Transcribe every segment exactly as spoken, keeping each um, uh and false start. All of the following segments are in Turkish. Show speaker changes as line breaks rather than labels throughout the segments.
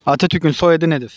Atatürk'ün soyadı nedir?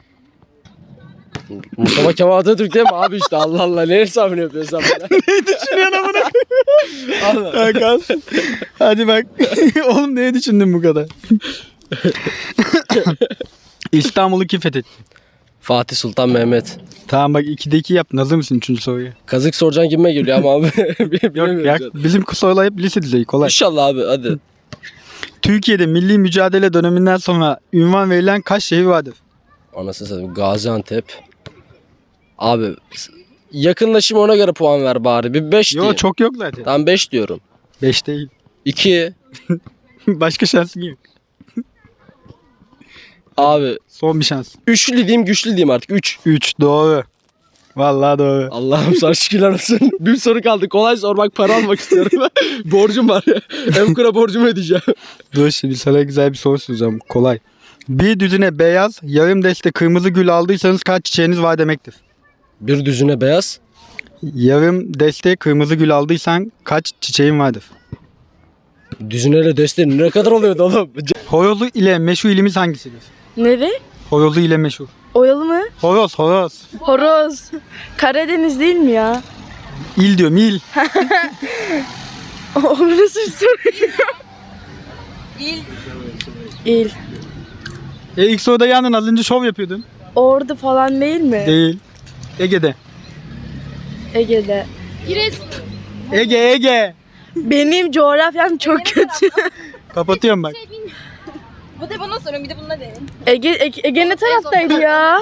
Mustafa Kemal Atatürk değil mi abi işte Allah Allah ne hesabını yapıyorsun sen bana?
Ne düşünüyorsun amına koyayım? Allah. Hadi bak. Oğlum neye düşündün bu kadar? İstanbul'u kim fethetti?
Fatih Sultan Mehmet.
Tamam bak ikide iki yaptın. Hazır mısın üçüncü soruya?
Kazık soracaksın gibime geliyor ama abi.
Yok ya bizim sorular hep lise düzeyi kolay.
İnşallah abi hadi.
Türkiye'de milli mücadele döneminden sonra ünvan verilen kaç şehir vardır?
Anasını satayım Gaziantep. Abi yakınlaşayım ona göre puan ver bari. Bir beş diye.
Yok çok yok zaten.
Tamam beş diyorum.
beş değil.
iki.
Başka şansın yok.
Abi
Son bir şans.
üçlü diyeyim güçlü diyeyim artık. üç.
üç doğru. Vallahi doğru.
Allah'ım sana şükürler olsun. Bir soru kaldı. Kolay sormak para almak istiyorum. Borcum var. Emkura borcumu ödeyeceğim.
Dur şimdi sana güzel bir soru soracağım. Kolay. Bir düzine beyaz, yarım deste kırmızı gül aldıysanız kaç çiçeğiniz var demektir?
Bir düzüne beyaz.
Yarım deste kırmızı gül aldıysan kaç çiçeğin vardır?
Düzüneyle desteğin ne kadar oluyordu oğlum?
Horozu ile meşhur ilimiz hangisidir?
Nere?
Horozu ile meşhur.
Oyalı mı?
Horoz, horoz.
Horoz. Karadeniz değil mi ya?
İl diyorum, il.
O nasıl bir soru? İl. İl.
E ilk soruda yandın, az önce şov yapıyordun.
Ordu falan değil mi?
Değil. Ege'de.
Ege'de.
Ege, Ege.
Benim coğrafyam çok kötü.
Kapatıyorum bak.
Bu da bana sorun bir de bununla deyin.
Ege, Ege, Ege ne taraftaydı ya?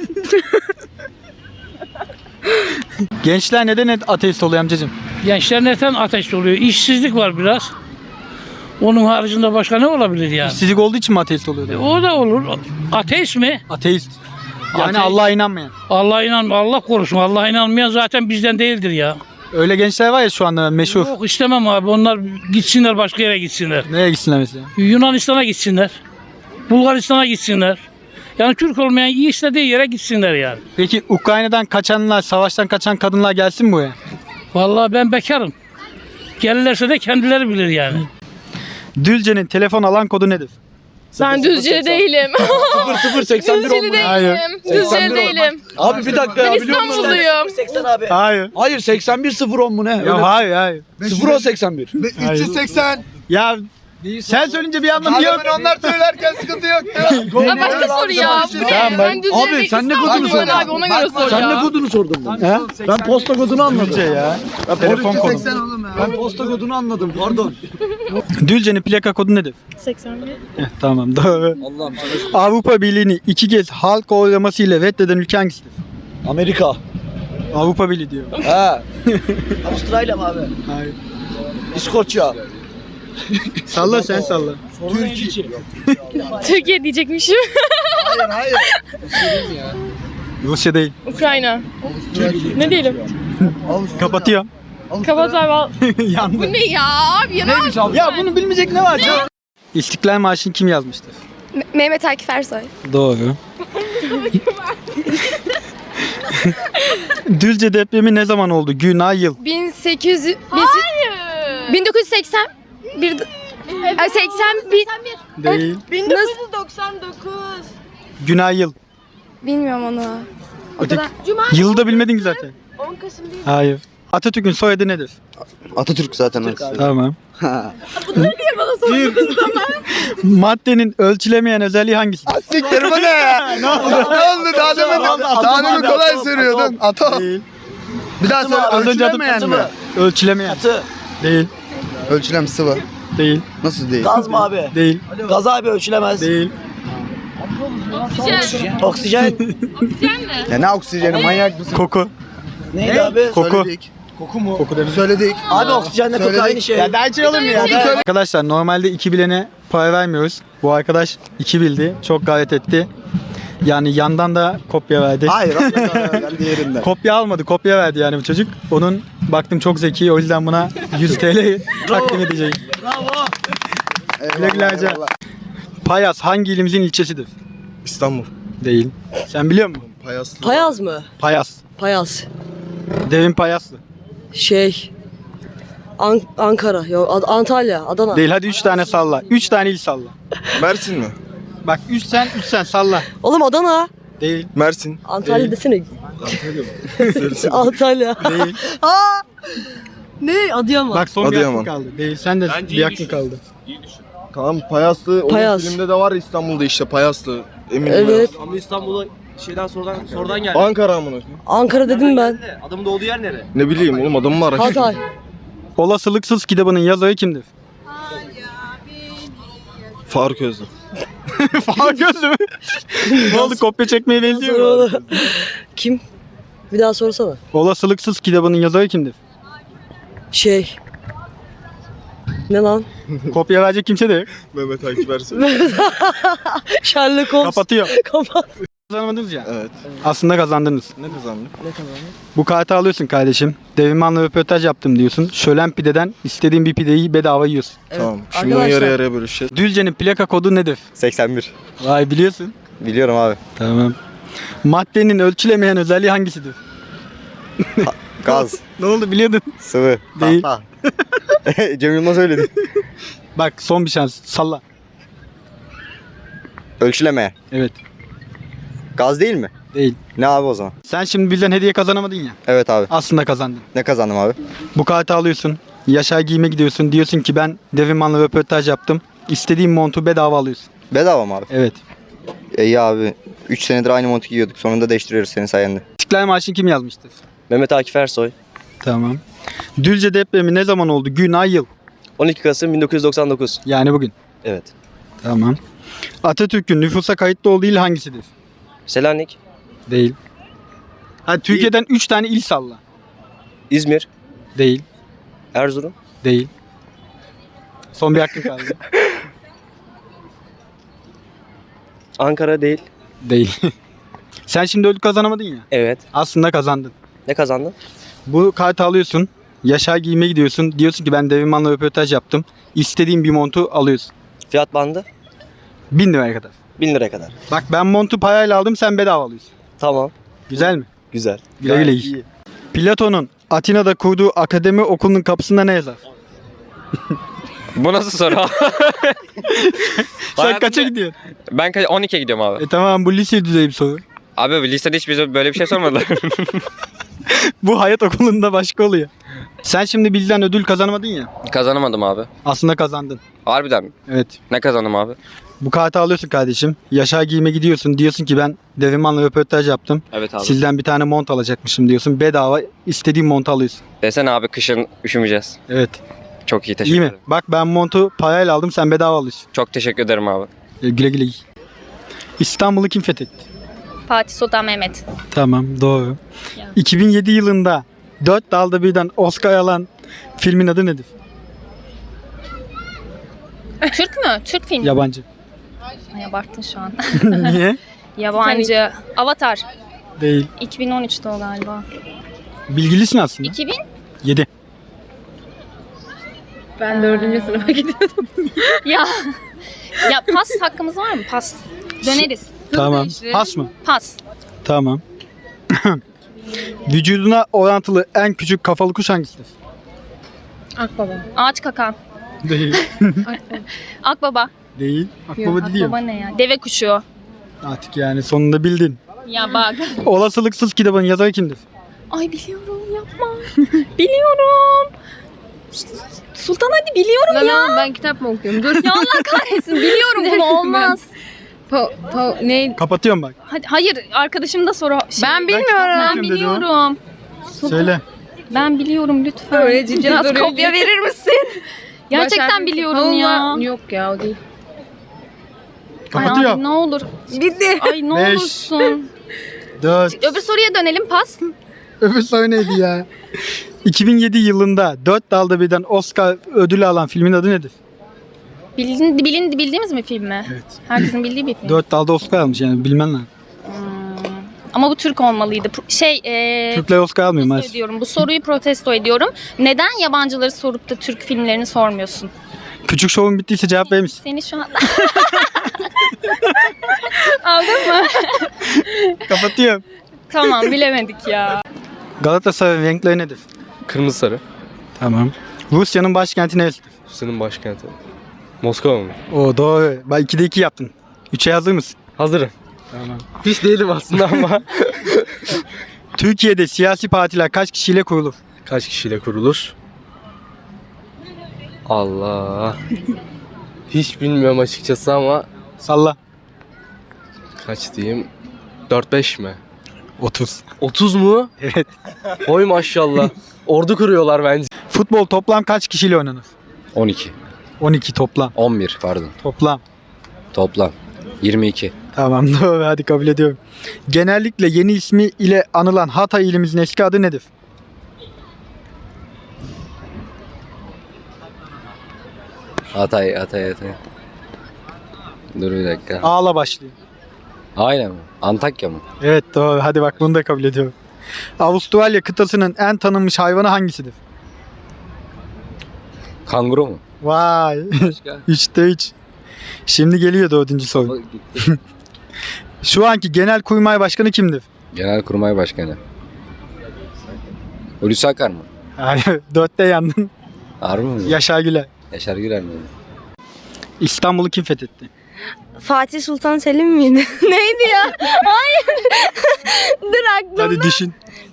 Gençler neden ateist oluyor amcacığım?
Gençler neden ateist oluyor? İşsizlik var biraz. Onun haricinde başka ne olabilir yani?
İşsizlik olduğu için mi ateist oluyor?
O da olur. Ateist mi?
Ateist. Yani
Ateist.
Allah'a inanmayan.
Allah'a inan, Allah korusun. Allah'a inanmayan zaten bizden değildir ya.
Öyle gençler var ya şu anda meşhur.
Yok istemem abi. Onlar gitsinler başka yere gitsinler.
Nereye gitsinler mesela?
Yunanistan'a gitsinler. Bulgaristan'a gitsinler. Yani Türk olmayan iyi istediği yere gitsinler yani.
Peki Ukrayna'dan kaçanlar, savaştan kaçan kadınlar gelsin mi buraya?
Vallahi ben bekarım. Gelirlerse de kendileri bilir yani.
Düzce'nin telefon alan kodu nedir?
Ben Düzce değilim.
sıfır sıfır seksen bir
Düzce
Hayır.
değilim. Düzce değilim.
Abi bir dakika
Ben
ya biliyor musun?
İstanbulluyum.
seksen abi.
Hayır.
Hayır seksen bir sıfır on mu ne?
Ya hayır hayır.
sıfır on seksen bir.
Hayır.
üç yüz seksen.
Ya sen söyleyince bir anlamı yok.
Adamın onlar söylerken sıkıntı yok.
Ya başka soru ya. Bu ne?
Tamam, bak.
Ben Düzce
Abi,
değilim.
sen ne kodunu
İstanbulluyum
sordun?
abi ona göre sor
Sen ne
ya.
kodunu sordun bana?
He?
Ben posta kodunu anladım.
Düzce ya.
Ben
Telefon kodu.
oğlum ya.
Ben posta kodunu anladım pardon.
Düzce'nin plaka kodu nedir?
seksen bir.
Heh, tamam doğru.
Allah'ım.
Avrupa Birliği'ni iki kez halk oylaması ile reddeden ülke hangisidir?
Amerika.
Avrupa Birliği diyor.
He. Avustralya mı abi?
Hayır.
İskoçya.
Salla sen salla.
Türkiye.
Türkiye diyecekmişim.
Hayır hayır.
Rusya değil.
Ukrayna. Ne diyelim?
Kapatıyorum.
Kapat abi al.
Yandı.
Bu ne ya abi ya?
Neymiş abi?
Ya bunu bilmeyecek ne var ya? İstiklal Marşı'nı kim yazmıştır?
Mehmet Akif Ersoy.
Doğru. Düzce depremi ne zaman oldu? Gün, ay, yıl.
bin sekiz yüz... Hayır. bin dokuz yüz seksen bir... Ay, seksen bir...
Değil.
bin dokuz yüz doksan dokuz.
Gün, ay, yıl.
Bilmiyorum onu. O
Öteki-
kadar. Cuma
Yılı da bilmedin ki zaten.
on Kasım değil.
Hayır. Atatürk'ün soyadı nedir?
Atatürk zaten.
Tamam. Maddenin ölçülemeyen özelliği hangisi?
Siktir bu ne ya? ne oldu? Ne oldu? Daha demin, daha demin kolay söylüyordun. Atom.
Değil.
Bir daha söyle.
Az önce atıp
Ölçülemeyen mi?
Ölçülemeyen. Değil.
Ölçülem sıvı.
Değil.
Nasıl değil?
Gaz mı abi?
Değil.
Gaz abi ölçülemez.
Değil.
Oksijen.
Ya ne oksijeni manyak mısın?
Koku.
Neydi abi?
Koku.
Söyledik.
Koku mu?
Koku demek.
Söyledik.
Abi oksijenle koku
Söyledik.
aynı şey.
Ya daha hiç olur mu ya? Arkadaşlar normalde iki bilene para vermiyoruz. Bu arkadaş iki bildi. Çok gayret etti. Yani yandan da kopya verdi.
Hayır. Ben diğerinden.
Kopya almadı. Kopya verdi yani bu çocuk. Onun baktım çok zeki. O yüzden buna yüz TL takdim edeceğim. Güle güle harca. Payas hangi ilimizin ilçesidir?
İstanbul.
Değil. Sen biliyor musun?
Payaslı.
Payaz mı?
Payas.
Payaz.
Devin Payaslı.
Şey. An- Ankara. Yok Ad- Antalya. Adana.
Değil. Hadi üç tane salla. Üç tane il salla.
Mersin mi?
Bak üç sen üç sen salla.
Oğlum Adana.
Değil.
Mersin.
Antalya
Değil.
desene. Antalya.
Değil.
Aa! Ne? Adıyaman.
Bak son bir
Adıyaman.
hakkın kaldı. Değil. Sen de bir hakkın kaldı.
Tamam Payaslı. O
Payas.
filmde de var ya İstanbul'da işte Payaslı. Emin
Evet.
Ama İstanbul'a şeyden sorudan sorudan geldi.
Ankara amına.
Ankara dedim ben.
Adamın doğduğu yer nere?
Ne bileyim oğlum adamı mı araştırdın?
Hatay.
Olasılıksız kitabının yazarı kimdir?
Faruk Özlü.
Fark gözlü mü? Ne oldu, kopya çekmeye benziyor mu?
Kim? Bir daha sorsana.
Olasılıksız kitabının yazarı kimdir?
Şey. Ne lan?
Kopya verecek kimse de yok.
Mehmet Akif Ersoy.
Sherlock Holmes.
Kapatıyor.
Kapat.
Kazanamadınız ya.
Evet.
Aslında kazandınız.
Ne kazandık?
Bu kartı alıyorsun kardeşim. Devimanla röportaj yaptım diyorsun. Şölen pideden istediğin bir pideyi bedava yiyorsun.
Tamam. Şimdi bunu
Arkadaşlar-
yarı yarıya bölüşeceğiz.
Düzce'nin plaka kodu nedir?
seksen bir.
Vay, biliyorsun.
Biliyorum abi.
Tamam. Maddenin ölçülemeyen özelliği hangisidir?
Gaz,
Ne oldu, biliyordun.
sıvı.
Değil.
Tahta. Cem Yılmaz söyledi.
Bak son bir şans. Salla.
Ölçüleme.
Evet.
Gaz değil mi?
Değil.
Ne abi o zaman?
Sen şimdi bizden hediye kazanamadın ya.
Evet abi.
Aslında kazandın.
Ne kazandım abi?
Bu kartı alıyorsun. Yaşar Giyim'e gidiyorsun. Diyorsun ki ben Deviman'la röportaj yaptım. İstediğin montu bedava alıyorsun.
Bedava mı abi?
Evet.
İyi abi. üç senedir aynı montu giyiyorduk. Sonunda değiştiriyoruz senin sayende.
İstiklal Marşı'nı kim yazmıştır?
Mehmet Akif Ersoy.
Tamam. Düzce depremi ne zaman oldu? Gün, ay, yıl.
on iki Kasım bin dokuz yüz doksan dokuz.
Yani bugün.
Evet.
Tamam. Atatürk'ün nüfusa kayıtlı olduğu il hangisidir?
Selanik.
Değil. Hadi Türkiye'den üç tane il salla.
İzmir.
Değil.
Erzurum.
Değil. Son bir hakkın kaldı.
Ankara değil.
Değil. Sen şimdi ödül kazanamadın ya.
Evet.
Aslında kazandın.
Ne kazandın?
Bu kartı alıyorsun. Yaşar Giyim'e gidiyorsun. Diyorsun ki ben Deviman'la röportaj yaptım. İstediğin bir montu alıyorsun.
Fiyat bandı
Bin liraya kadar.
bin liraya kadar.
Bak ben montu parayla aldım, sen bedava alıyorsun.
Tamam.
Güzel mi?
Güzel.
Güle güle giy. Platon'un Atina'da kurduğu akademi okulunun kapısında ne yazar?
Bu nasıl soru?
Sen
Hayatımda-
kaça gidiyorsun?
Ben ka- on ikiye gidiyorum abi.
E tamam, bu lise düzeyi bir soru.
Abi lisede hiç bize böyle bir şey sormadılar.
Bu hayat okulunda başka oluyor. Sen şimdi bizden ödül kazanamadın ya.
Kazanamadım abi.
Aslında kazandın.
Harbiden mi?
Evet.
Ne kazandım abi?
Bu kartı alıyorsun kardeşim. Yaşar Giyim'e gidiyorsun. Diyorsun ki ben Deviman'la röportaj yaptım.
Evet abi.
Sizden bir tane mont alacakmışım diyorsun. Bedava istediğin montu alıyorsun.
Desene abi, kışın üşümeyeceğiz.
Evet.
Çok iyi, teşekkür
İyi mi?
ederim.
Bak ben montu parayla aldım, sen bedava alıyorsun.
Çok teşekkür ederim abi.
E, güle güle giy. İstanbul'u kim fethetti?
Fatih Sultan Mehmet.
Tamam, doğru. iki bin yedi yılında Dört Dalda Birden Oscar alan filmin adı nedir?
Türk mü? Türk filmi.
Yabancı.
Ay, abarttın şu an.
Niye?
Yabancı. Avatar.
Değil.
iki bin on üçte o galiba.
Bilgilisin aslında.
iki bin?
yedi.
Ben dördüncü sınıfa gidiyordum.
Ya. Ya pas hakkımız var mı? Pas. Döneriz.
Tamam. Pas mı?
Pas.
Tamam. Vücuduna orantılı en küçük kafalı kuş hangisidir?
Akbaba.
Ağaç kakan.
Değil.
Akbaba.
Değil. Akbaba değil.
Akbaba ne ya? Deve kuşu.
Artık yani sonunda bildin.
Ya bak.
Olasılıksız kitabın yazarı kimdir?
Ay biliyorum, yapma. Biliyorum. Sultan hadi biliyorum
Lan
ya.
oğlum, ben kitap mı okuyorum? Dur.
Ya Allah kahretsin, biliyorum bunu, olmaz.
Pa, pa, ne?
Kapatıyorum bak.
Hadi, hayır, arkadaşım da soru. Şey,
Ben bilmiyorum.
Ben
Kim dedi o?
biliyorum.
Söyle.
Ben biliyorum, lütfen.
Öyle ciddi
Biraz
duruyor.
kopya verir misin? Gerçekten
Başar-
biliyorum ya.
Allah- Yok ya, o değil.
Ay
Kapatıyor.
abi, ne olur.
Bitti.
Ay ne
Beş.
olursun.
Dört.
Öbür soruya dönelim, pas.
Öbür soru neydi ya? iki bin yedi yılında Dört Dalda Birden Oscar ödülü alan filmin adı nedir?
Bilin, bilin, bildiğimiz mi film mi?
Evet.
Herkesin bildiği bir film.
Dört dalda Oscar almış, yani bilmen lazım.
Hmm. Ama bu Türk olmalıydı. Pro- Şey, ee,
Türkler Oscar almıyor
protesto
maalesef.
ediyorum. Bu soruyu protesto ediyorum. Neden yabancıları sorup da Türk filmlerini sormuyorsun?
Küçük şovun bittiyse cevap verir misin?
Seni şu an... Aldın mı?
Kapatıyorum.
Tamam, bilemedik ya.
Galatasaray'ın renkleri nedir?
Kırmızı sarı.
Tamam. Rusya'nın başkenti neresidir?
Rusya'nın başkenti. Moskova mı?
O doğru. Bak ikide iki yaptın. Üçe hazır mısın?
Hazırım.
Tamam.
Hiç değilim aslında ama.
Türkiye'de siyasi partiler kaç kişiyle kurulur?
Kaç kişiyle kurulur? Allah. Hiç bilmiyorum açıkçası ama
Salla.
kaç diyeyim? dört beş mi?
otuz.
otuz mu?
Evet.
Oy maşallah. Ordu kuruyorlar bence.
Futbol toplam kaç kişiyle oynanır?
on iki.
on iki toplam.
on bir pardon.
Toplam.
Toplam. yirmi iki.
Tamam doğru, hadi kabul ediyorum. Genellikle yeni ismi ile anılan Hatay ilimizin eski adı nedir?
Hatay, Hatay, Hatay. Dur bir dakika.
A'la başlıyor.
Aynen mi? Antakya mı?
Evet doğru, hadi bak bunu da kabul ediyorum. Avustralya kıtasının en tanınmış hayvanı hangisidir?
Kanguru mu?
Vay. Üçte üç. Şimdi geliyor dördüncü soru. Şu anki Genelkurmay Başkanı kimdir?
Genelkurmay Başkanı. Hulusi Akar mı?
Hayır, dörtte yandın.
Harbi mi?
Yaşar Güler.
Yaşar Güler mi?
İstanbul'u kim fethetti?
Fatih Sultan Selim miydi? Neydi ya? Hayır. Dur aklımda.
Hadi düşün.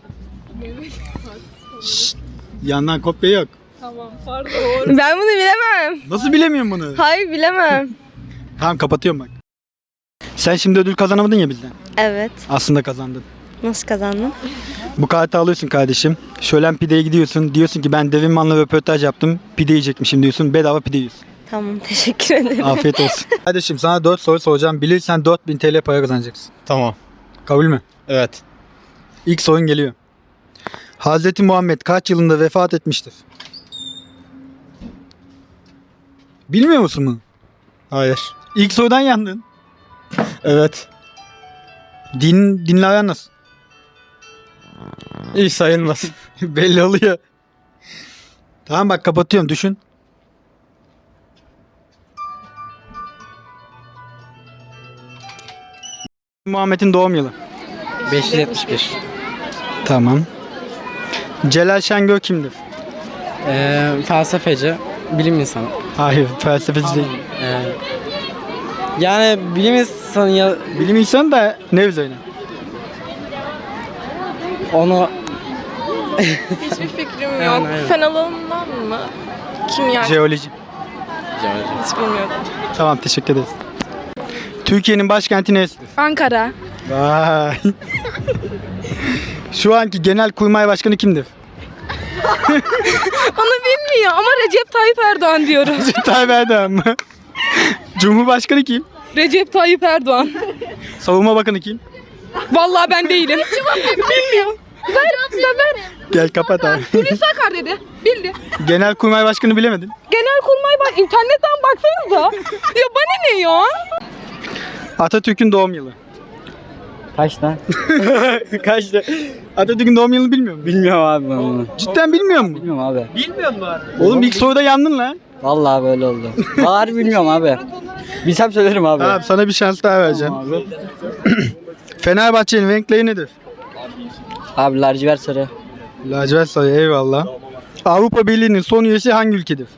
Şşt, yandan kopya yok.
Ben bunu bilemem.
Nasıl bilemiyorum bunu?
Hayır bilemem.
Tamam kapatıyorum bak. Sen şimdi ödül kazanamadın ya bizden.
Evet.
Aslında kazandın.
Nasıl kazandın?
Bu kartı alıyorsun kardeşim. Şölen pideye gidiyorsun. Diyorsun ki ben Devinman'la röportaj yaptım. Pide yiyecekmişim diyorsun. Bedava pide yiyorsun.
Tamam teşekkür ederim.
Afiyet olsun. Kardeşim sana dört soru soracağım. Bilirsen dört bin T L para kazanacaksın.
Tamam.
Kabul mü?
Evet.
İlk sorun geliyor. Hazreti Muhammed kaç yılında vefat etmiştir? Bilmiyor musun bunu?
Hayır.
İlk sorudan yandın.
Evet.
Din, dinle aran nasıl?
İyi sayılmaz.
Belli oluyor. Tamam bak kapatıyorum, düşün. Muhammed'in doğum yılı.
beş yüz yetmiş bir.
Tamam. Celal Şengör kimdir?
Ee, felsefeci, bilim insanı.
Hayır, felsefeci değil.
Ee, yani bilim insanı ya
Bilim insanı da ne üzerine?
onu
Hiçbir fikrim yok.
Yani, evet.
Fen alanından mı? Kimya.
Jeoloji.
Hiç bilmiyorum.
Tamam, teşekkür ederiz. Türkiye'nin başkenti neresidir?
Ankara.
Vay. Şu anki Genelkurmay Başkanı kimdir?
Onu bilmiyor ama Recep Tayyip Erdoğan diyorum.
Recep Tayyip Erdoğan mı? Cumhurbaşkanı kim?
Recep Tayyip Erdoğan.
Savunma Bakanı kim?
Vallahi ben değilim. Bilmiyorum. Ver, ver.
Gel kapat abi.
Hulusi Akar dedi. Bildi.
Genelkurmay Başkanı bilemedin.
Genelkurmay bak internetten baksanıza. Ya bana ne ya?
Atatürk'ün doğum yılı.
kaç lan?
Kaçtı? Atatürk'ün doğum yılını bilmiyor musun?
Bilmiyorum abi ben bunu.
Cidden bilmiyor musun?
Bilmiyorum abi.
Bilmiyor musun abi? Oğlum ilk soruda yandın lan.
Vallahi böyle oldu. Bari bilmiyorum abi. Bilsem söylerim abi.
Tamam, sana bir şans daha vereceğim.
Abi.
Fenerbahçe'nin renkleri nedir?
Abi lacivert sarı.
Lacivert sarı, eyvallah. Avrupa Birliği'nin son üyesi hangi ülkedir?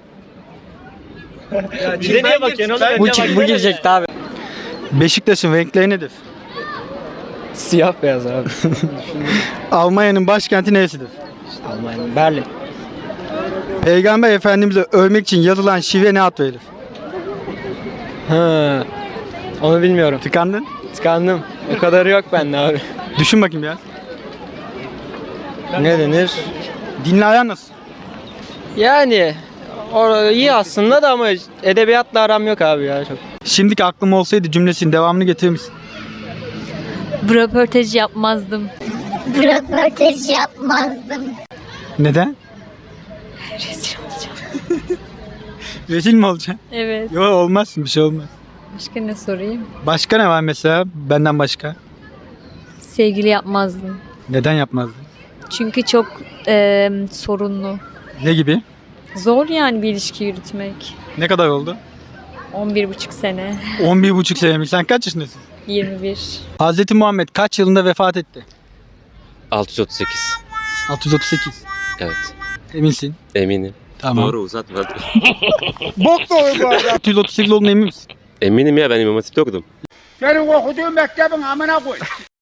Bu, bu girecekti abi.
Beşiktaş'ın renkleri nedir?
Siyah beyaz abi.
Almanya'nın başkenti neresidir?
Almanya. Berlin.
Peygamber Efendimiz'e övmek için yazılan şive ne ad verilir?
Ha. Onu bilmiyorum.
Tıkandın.
Tıkandım. O kadarı yok bende abi.
Düşün bakayım ya.
Ne denir?
Dinle aran nasıl?
Yani or iyi aslında da ama edebiyatla aram yok abi ya çok.
Şimdiki aklım olsaydı cümlesinin devamını getirir misin?
Bu röportajı yapmazdım.
Bu röportaj yapmazdım.
Neden?
Rezil olacağım.
Rezil mi olacaksın?
Evet.
Yok, olmazsın, bir şey olmaz.
Başka ne sorayım?
Başka ne var mesela benden başka?
Sevgili yapmazdım.
Neden yapmazdın?
Çünkü çok e, sorunlu.
Ne gibi?
Zor yani bir ilişki yürütmek.
Ne kadar oldu?
on bir buçuk sene.
on bir buçuk sene mi? Sen kaç yaşındasın?
yirmi bir.
Hazreti Muhammed kaç yılında vefat etti?
altı yüz otuz sekiz.
altı yüz otuz sekiz.
Evet.
Eminsin.
Eminim.
Tamam.
Doğru, uzatma.
Bok doğru bu arada. altı yüz otuz sekiz olduğuna emin misin?
Eminim ya, ben İmam Hatip'te okudum.
Senin okuduğun mektebin amına koy.